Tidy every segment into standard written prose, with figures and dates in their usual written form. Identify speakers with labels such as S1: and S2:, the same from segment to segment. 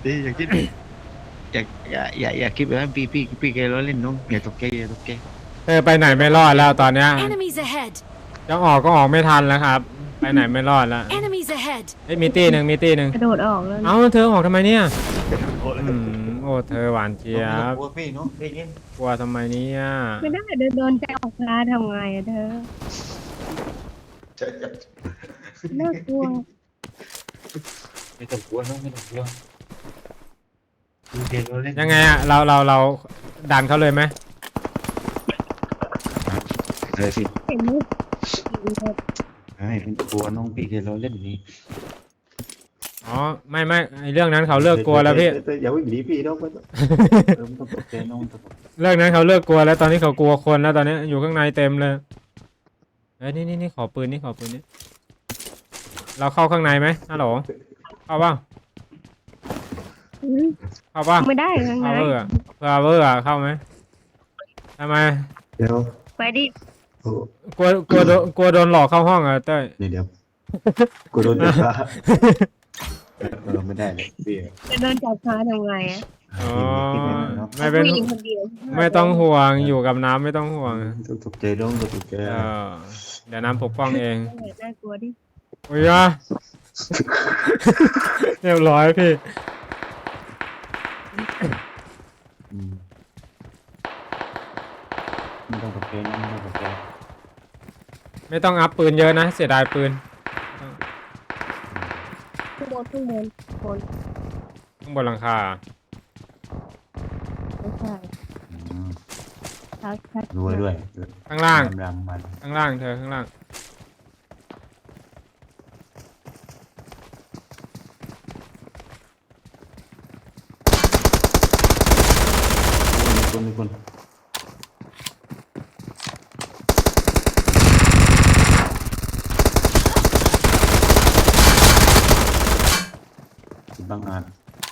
S1: ตีอย่าคิดอย่าคิดแบบนั้นพี่แกล้อเล่นน้องอย่าตกใจอย่าตกใจ
S2: ไปไหนไม่รอดแล้วตอนเนี้ย
S3: Enemies ahead!
S2: จะออกก็ออกไม่ทันแล้วครับ ไปไหนไม่รอดแล้ว
S3: Enemies ahead!
S2: มีตีหนึ่งมีตีหนึ่ง
S4: กระโดดออกแล้ว
S2: เอ้าเธอออกทำไมเนี่ยโอ้เธอหวานเจี๊ยบ
S1: กลัวพี่น้องพี่เล่น
S2: กลัวทำไมเนี่ย
S4: ไม่ได้โดนใจออกพาทำไงอะเธอน่ากลัว
S1: ไม่ต้องกลัวน้องไม่ต้องกลัวพี่แกล้อเล่น
S2: ยังไงอะเราดันเขาเลยไหม
S1: เลยสิ
S4: เห็นไหม
S1: ไม่กลัวน้องพี่แกล้อเล่นนี่
S2: อ๋อไม่ไอเรื่องนั้นเขาเลิกกลัวแล้วพี่
S1: อย่าวิ่งหนีพี่น้องไม่ต้องต้องตกใจน้องต้อง
S2: เรื่องนั้นเขาเลิกกลัวแล้วตอนนี้เขากลัวคนแล้วตอนนี้อยู่ข้างในเต็มเลยนี่ขอปืนนี่เราเข้าข้างในไหมฮัลโหลเข้าเปล่า
S4: อืม
S2: เข้าเปล่า
S4: ไม่ได้ยังไง
S2: พาวเวอร์เข้าไหมทำไม
S1: เดี๋ยว
S4: ไปดิ
S2: กลัวโดนหลอกเข้าห้องอ่ะเต้ย
S1: เดี๋ยวกูโดนจับขาเราไม่ได้เลยพี่
S4: จะโดนจับพาทำไงอะ
S2: อ๋อไม่เป็น
S4: ผู้หญิงคนเดียว
S2: ไม่ต้องห่วงอยู่กับน้ำไม่ต้องห่วง
S1: ต้องตกใจน้องต้องตกใจ
S2: เออเดี๋ยวน้ำปกป้องเอง
S4: น่ากลัวดิ
S2: โอ้ยอะเรียบร้อยพี่
S1: ไม่ต้องตกใจน้องไม่ต้องตกใจ
S2: ไม่ต้องอัพปืนเยอะนะเสียดายปืน
S4: ข้างบนคน
S2: ข้างบนหลังคา
S4: ไม่ใช่ชัด
S1: ด้วย
S2: ข้างล่าง
S1: รำมัน
S2: ข้างล่างเธอข้างล่าง
S1: มีคนบางอาจ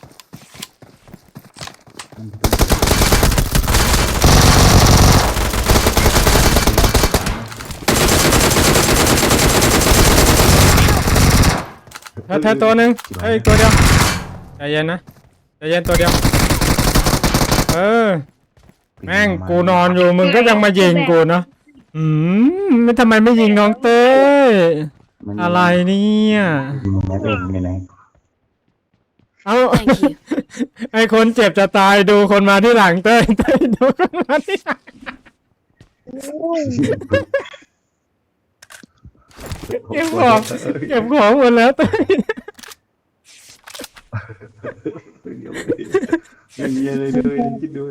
S2: เธอตัวหนึ่งตัวเดียวใจเย็นนะใจเย็นตัวเดียวแม่งกูนอนอยู่มึงก็ยังมายิงกูเนาะไม่ทำไมไม่ยิงน้องเต้ยอะไรเนี่ย
S1: ไม่เป็นไม่ไหน
S2: เอ้า
S3: Thank you.
S2: ไอคนเจ็บจะตายดูคนมาที่หลังเต้ยดูคนมาที่หลังเก็บของหมดแล้วเต้ย
S1: ไม่มีอะไรเลยคิดดู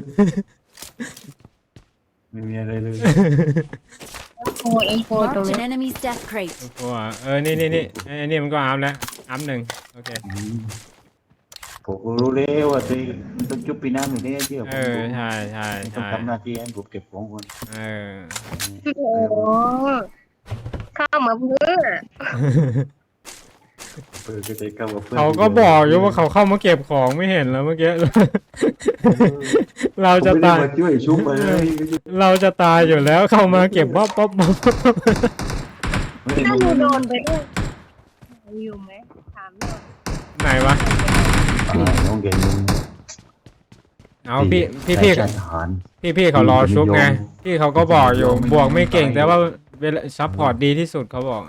S1: ไม่มีอะไรเลย
S4: โอ้เอ็มโฟตรง
S3: Marked
S4: นี้
S3: an enemy's death crate.
S2: โอ้โหนี่มันก็อัพแล้วอัพหนึ่งโอเค
S1: ผมรู้แล้วว่าตัวมันต้องจุบปีน้ำอยู่เนี่ยเชื่อผม
S2: ใช่
S1: ต้องทำหน้าที่ให้ผมเก็บของคน
S4: โอ้โหเข้ามาเพื่อ
S1: เปิดก็ใจเข้ากับเพื่อน
S2: เขาก็บอกอยู่ว่าเขาเข้ามาเก็บของไม่เห็นแล้วเมื่อกี้ เราจะตาย
S1: มาช่วยชุบมาเลย
S2: เราจะตายอยู่แล้วเข้ามาเก็บบ๊อบ
S4: ถ้าหนูโดนไปด้วยอยู่ไหมถามหน่อย
S2: ไหนวะ
S1: น้องเก่งมึง
S2: เอาพี่เขารอชุบไงพี่เขาก็บอกอยู่บวกไม่เก่งแต่ว่าเวลาซัพพอร์ตดีที่สุดเขาบอก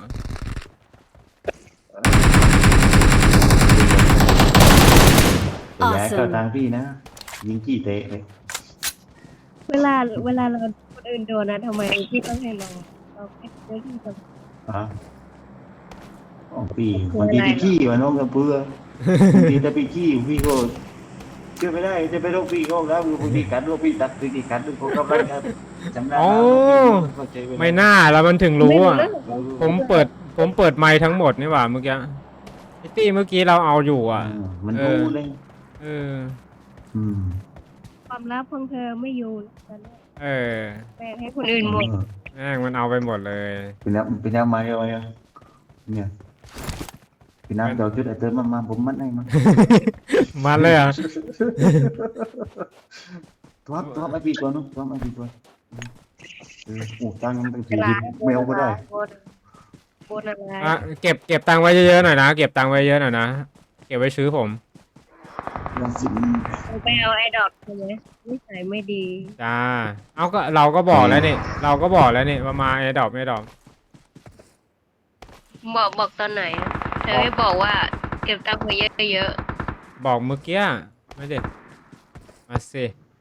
S1: ย้ายเข้าทางพี่นะยิงจี้เตะเลย
S4: เวลาเราคนอื่นโดนนะทำไมพี่ต้องให้เราแค่เจอที่จะ
S1: พี่บางทีพี่ขี้วะน้องกับเพื่อบางทีถ้าพี่ขี้พี่ก็เชื่อไม่ได้จะไปโรคพี่ก็แล้วบางทีกัดโรคพี่ตัดคือกี่กัดด้วยพวกเขาไปจำได้
S2: ไม่น่าแล้วมันถึงรู้อ่ะผมเปิดไมค์ทั้งหมดนี่หว่าเมื่อกี้ไอ้ตี้เมื่อกี้เราเอาอยู่อ่ะ
S1: มันรู้เลย
S4: ความลับของเธอไม่อยู่กัน
S2: แ
S4: บ่งให้คนอื่นหมด
S2: แม่งมันเอาไปหมดเลย
S1: พี่น้ำมาอะไรอ่ะเนี่ยพี่น้ำเจ้าชุดไอ้เติมมาผมมัดให้มา
S2: มันเลยอ่ะ
S1: ทอดไอ้พี่ก่อนนู้นทอดไอ้พี่ก่อนโอ้ตังค์มันเป็นสี่ไม่เอาก็ได้
S4: โบนอะไร
S2: เก็บตังค์ไว้เยอะๆหน่อยนะเก็บตังค์ไว้เยอะหน่อยนะเก็บไว้ซื้อผม
S1: เราสิ
S4: เราไปเอาไอ้ดอกใช่ไหมนิสัยไม่ดี
S2: จ้าเอาก็เราก็บอกแล้วนี่เราก็บอกแล้วนี่ว่ามาไอ้ดอกไม่ดอก
S4: บอกตอนไหนอะเธอไม่บอกว่าเก็บตังค์ไว้เยอะ
S2: บอกเมื่อกี้ไม่ได้มาสิ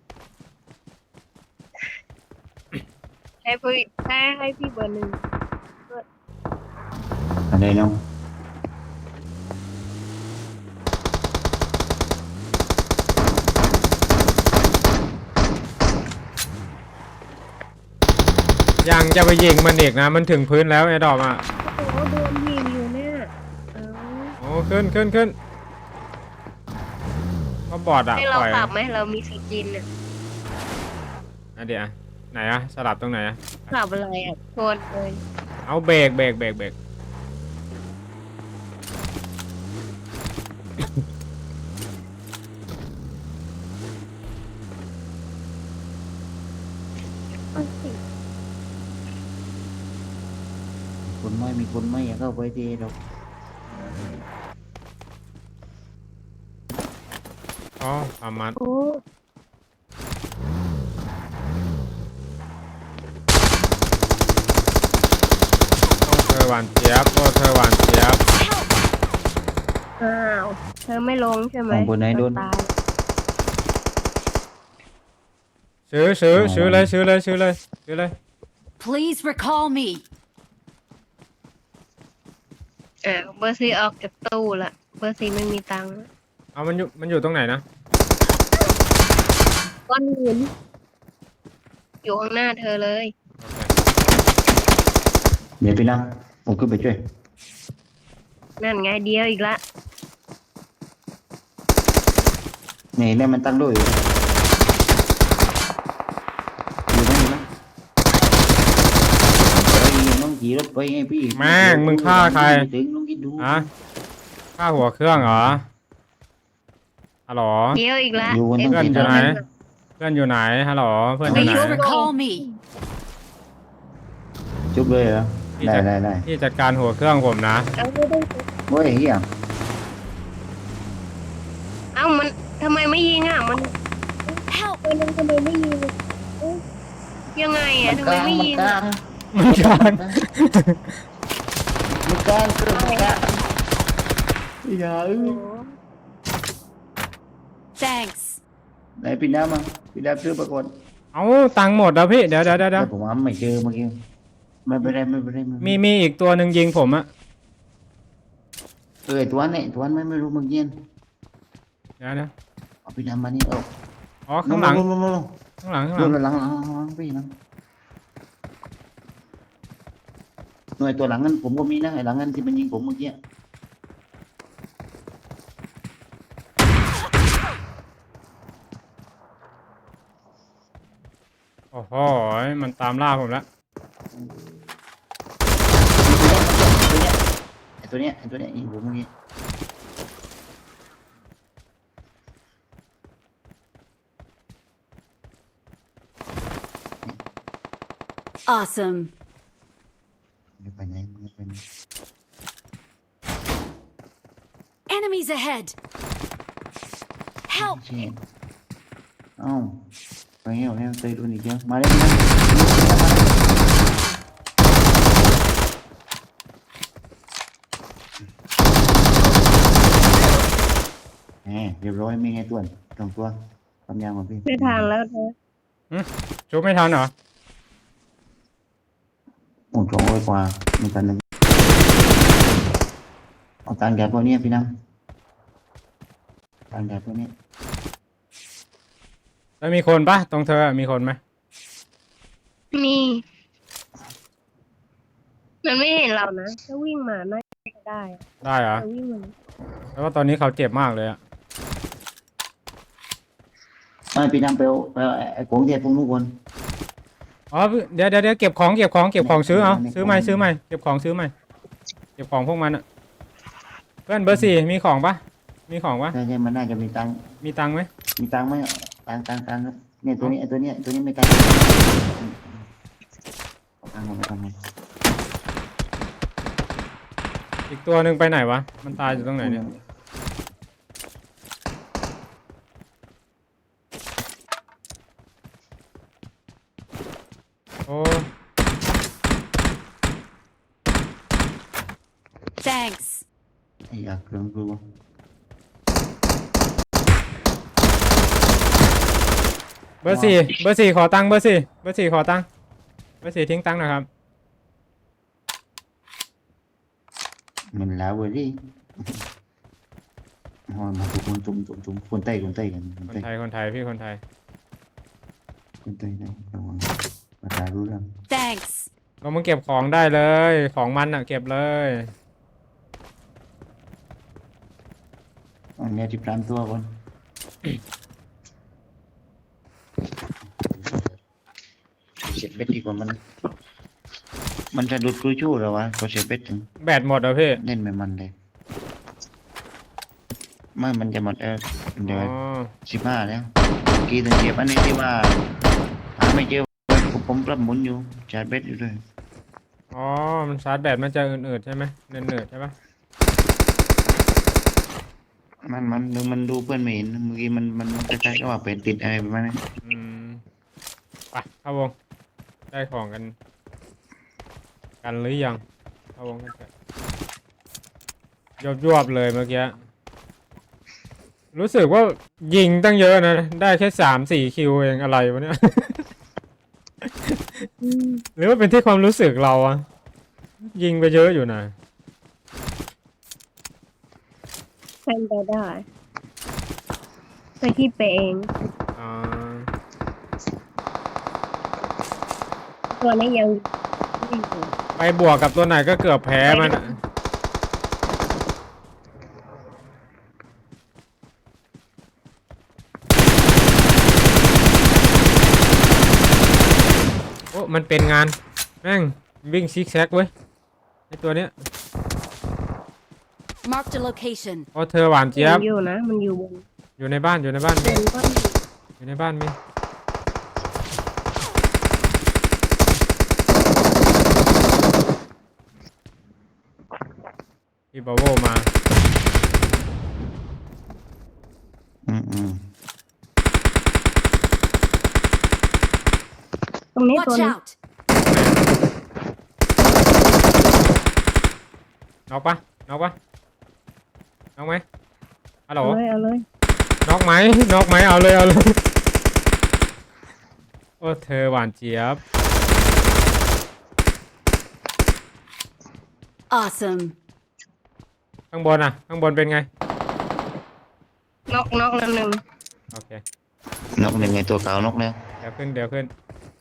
S4: ๆให้พี่เบอร์หนึ่ง
S1: อะไรน้อง
S2: ยังจะไปยิงมันอีกนะมันถึงพื้นแล้วไอ้ดอกอ่ะ
S4: โอ้โหโดนยิงอยู่เนี่ยเอา
S2: โอ้ขึ้นก็บอดอ่ะ
S4: ให้
S2: ป
S4: เรา
S2: ล่อย
S4: ขับไหมเรามีสกินอะ
S2: อ่ะเดี๋ยวอ่ะไหนอ่ะสลับตรงไหนอ่ะ
S4: ขับอะไรอ่ะชนเลย
S2: เอาเบรก
S1: คนไม่มีคนไม่อยากเข้าไปทีเรา
S2: อ๋อประมาณ
S4: โอ้
S2: โอ้เธอหวานเจี๊ยบโอ้เธอหวานเจี๊ยบ
S4: อ้าวเธอไม่ลงใช่ไหม
S1: ของคนไหนโดน
S4: ตาย
S2: ซื้อเลย
S3: Please recall me.
S4: เบอร์ซีออกจากตู้ละเบอร์ซีไม่มีตังค์ละ
S2: เอามันอยู่ตรงไหนนะ
S4: ก้อนหินอยู่ข้างหน้าเธอเลย
S1: เดี๋ยวพี่น้ำผมขึ้นไปช่วย
S4: นั่นไงเดียวอีกละ
S1: นี่แม่มันตั้งด้วยอยู่ไหมน้องขี่รถไปไงพี่
S2: แม่งมึงฆ่าใคร
S1: ถึงน้องคิดดู
S2: ฮะฆ่าหัวเครื่องเหรอฮัลโหล
S4: เดียวอีกละ
S1: อยู่บนต้อง
S2: เพื่อน
S1: กิน
S2: อยู่ไหน
S1: อะไร
S2: เพื่อนอยู่ไหนฮัลโหลเพื่อนอยู่ไหน
S3: Please recall me.
S1: จุบเลยเหรอ
S2: พี่
S1: ได้
S2: จะ
S1: ได้ได้
S2: พี่จัดการหัวเครื่องผมนะ
S4: เอาไม่ได้
S1: โอ้ยเฮีย
S4: เอ้ามันทำไมไม่ยิงอ่ะมัน
S3: Help.
S4: มันทำไมไม่ยิงเอ้ยยังไงอ่ะทำไมไม่ยิง
S1: กลา
S4: อ่ะ
S1: ง
S2: มันกลาง
S1: มันกลางคือมันกลางอย่า
S4: โอ้โห
S3: Thanks.
S1: ไหนพี่น้ำมาพี่น้ำซื้อประกฏ
S2: เอาตังค์หมดแล้วพี่เดี๋ยว
S1: แต่ผมว่าไม่เจอเมื่อกี้ไม่เป็นไรไม่เป็นไรไม่เป็นไร
S2: มีอีกตัวหนึ่งยิงผมอะ
S1: ตัวนั้นไม่รู้เมื่อกี้
S2: เดี๋ยว
S1: เอาพี่น้ำมานี่เอา
S2: อ๋อข้างหลัง
S1: ลง
S2: ข้างหลัง
S1: หลังพี่น้ำหน่วยตัวหลังนั้นผมก็มีนะไอ้หลังนั้นที่มันยิงผมเมื่อกี้
S2: โอ้โหมันตามล่าผมแล้ว
S1: ไอ้ตัวเนี้ยยิงผมเมื่อกี้
S3: Awesome.
S1: ไม่ไปไหนไม่ไปไหน
S3: Enemies ahead. Help.
S1: เช่เอ้าไปแล้วเตยโดนอีกเยอะมาเลยนะเรียบร้อยมีไงตัวสองตัวทำยางของพี่
S4: ไม่ทางแล้วเธอ
S2: ชุบไม่ทันเหรอ
S1: โอ้200 กว่ามีกันหนึ่งเอาตังค์แกตัวนี้พี่น้ำตังค์แกตัวนี้
S2: แล้วมีคนปะตรงเธอมีคนไหม
S4: มีมันไม่เห็นเรานะถ้าวิ่งมาน่าจะได้อะ
S2: ได้เหรอ
S4: แต่วิ่งมา
S2: แล้วว่าตอนนี้เขาเจ็บมากเลยอะ
S1: ไม่พี่น้ำไปเอาไอ้ของเทียบพวกนู้นคน
S2: อ๋อเดี๋ยวเก็บของซื้อเอาซื้อใหม่เก็บของซื้อใหม่เก็บของพวกมันอะเพื่อนเบอร์ 4มีของปะ
S1: ใช่มันน่าจะมีตังค์
S2: มีตังค์ไหม
S1: มีตังค์ไหมตังค์ครับเนี่ยตัวนี้ไม่ตังค์ตังค์มาทำไม
S2: อีกตัวหนึ่งไปไหนวะมันตายอยู่ตรงไหนเนี่ยโอ้
S3: Thanks.
S1: ไอ้อยากเครื่องกู
S2: เบอร์สี่เบอร์สี่ขอตังค์เบอร์สี่เบอร์สี่ขอตังค์เบอร์สี่ทิ้งตังค์หนะครับ
S1: มันแล้วเว้ยดิหอยมาทุกคนจุ่มคนไต้กัน
S2: คนไทยคนไทยพี่คนไทย
S1: คนไต้ได้ระวังภาษารู้เรื่อง
S3: Thanks.
S2: เรามาเก็บของได้เลยของมันอ่ะเก็บเลย
S1: อันนี้ที่พรานตัวคนเสียเป็ดดีกว่ามันจะดูดกลุยชู้หรอวะเขาเสียเป็ดถึง
S2: แบตหมดเหรอพี่
S1: เล่นไม่มันเลยไม่มันจะหมดเดี๋ยว
S2: อ๋อ
S1: 15แล้วกี่ถึงเจ็บอันนี้ที่ว่าหาไม่เจอผมปรับหมุนอยู่ชาร์จเบ็ดอยู่ด้วย
S2: อ๋อมันชาร์จแบตมันจะอืดๆใช่ไหมเนืดๆใช่ปะ
S1: มันดูเพื่อนไม่เห็นเมื่อกี้มันคล้ายๆกับว่าเป็นติดอะไรประมาณนี้
S2: อืมไปเข้าวงได้ของกันหรือยังเข้าวงกันเถอะยวบๆเลยเมื่อกี้รู้สึกว่ายิงตั้งเยอะนะได้แค่3-4 คิวเองอะไรวะเนี่ย
S4: อืม
S2: หรือว่าเป็นที่ความรู้สึกเราอะยิงไปเยอะอยู่นะ
S4: เป็นไปได้ไปที่เปเอง
S2: อ่า
S4: ตัวนี้ยังไม่อยู่
S2: ไปบวกกับตัวไหนก็เกือบแพ้มันอะโอ้มันเป็นงานแม่งวิ่งซิกแซกเว้ยไอตัวเนี้ย
S3: Marked a location.
S2: โอ้เธอหวานเจี๊ยบ
S4: อยู่นะมันอยู่บน
S2: อยู่ในบ้านมี
S4: บนก็มี
S2: อยู่ในบ้านมีพี่บาโวมา
S1: อืม
S4: ตรงนี้ตัว
S3: Watch
S4: นี้
S3: out.
S2: น็อกปะน็อกปะน็อกไหมฮัลโหล
S4: เอาเลย
S2: น็อกไหมน็อกไหมเอาเลยเอาเลยโอ้เธอหวานเจี๊ยบ
S3: Awesome.
S2: ข้างบนอ่ะข้างบนเป็นไง
S4: นกแล้วหนึ่ง
S2: โอเคน
S1: กหนึ่งไงตัวขาวนกแล้ว
S2: เดี๋ยวขึ้น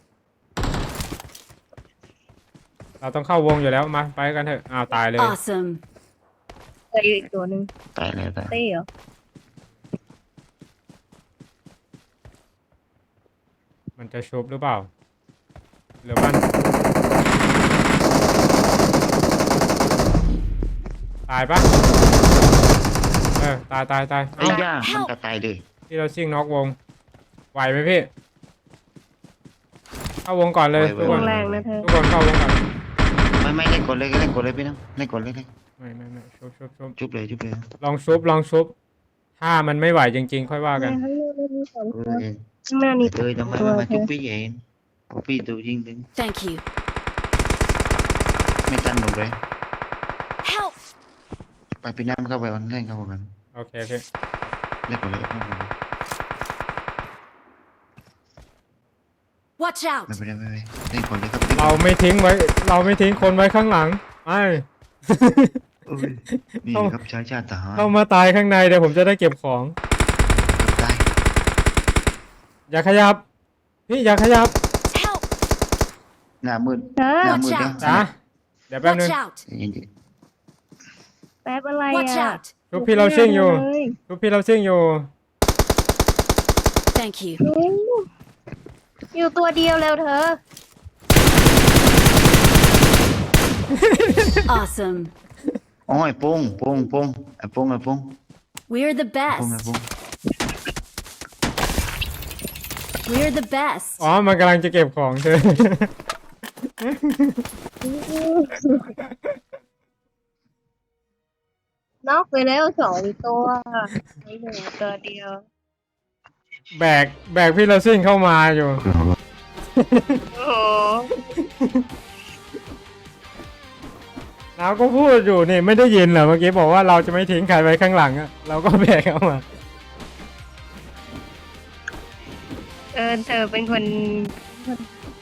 S2: เราต้องเข้าวงอยู่แล้วมาไปกันเถอะอ้าวตายเลย
S3: Awesome.
S4: เจออีกตัวหนึ่ง
S1: ตายแล้วตาย
S4: เต้เหรอ
S2: มันจะชุบหรือเปล่าหรือมันตายปะตาย
S1: ไอ้ย่ามันก็ตายเลย
S2: ที่เราซิ่งน็อกวงไหวไหมพี่เข้าวงก่อนเลยทุกคน
S4: แรงนะเธอ
S2: ทุกคนเข้าวงก่อน
S1: ไม่เล่นกดเลยพี่น้องเล่นกดเลย
S2: ไม่ชุบ
S1: จุบเลย
S2: ลองชุบถ้ามันไม่ไหวจริงๆค่อยว่ากัน
S4: ข้างหน้ามีสอง
S1: เอ
S4: ตัว
S1: อ
S4: ข้างหน้านี่
S1: เตยทำไมไม่มาจุบพี่เองพี่ตัวยิงถึง
S3: Thank you.
S1: ไม่ตันหมดเลย
S3: Help.
S1: ไปพี่น้ำเข้าไปวันเล่นเข้ากัน
S2: โอเคพี่
S1: เล่นกดเลย
S3: Watch out.
S1: ไม่เล่นกดเลยครับ
S2: เราไม่ทิ้งคนไว้ข้างหลังไม่
S1: นี่ครับชายชาติทหาร
S2: เข้ามาตายข้างในเดี๋ยวผมจะได้เก็บของ
S1: ตาย
S2: อย่าขยับพี่อย่าขยับ
S3: Help.
S1: หน้ามืด
S4: เธอ
S1: หน้ามืด
S2: จ้าเดี๋ยวแป๊บนึง
S3: Watch out.
S1: ยินดี
S4: แป๊บอะไร
S3: Watch
S4: อ่ะ
S3: out.
S2: ชุบพี่เราซิ่งอยู่
S4: เลย
S2: ชุบพี่เราซิ่งอยู่
S3: Thank you.
S4: อยู่ตัวเดียวแล้วเธอ
S3: Awesome.
S1: โอ้ยปุ้งไอ้ปุ้ง
S3: We're the
S1: ปุ้ง
S3: best. We're the best.
S2: อ๋อมันกำลังจะเก็บของเธอ
S4: นอกไปแล้วสองตัวไม่เหลือตัวเดียว
S2: แบกพี่เราซิ่งเข้ามาอยู่
S4: โอ้โห
S2: เราก็พูดอยู่นี่ไม่ได้ยินเหรอเมื่อกี้บอกว่าเราจะไม่ทิ้งใครไว้ข้างหลังอะเราก็แบกเข้ามา
S4: เธอเป็นคน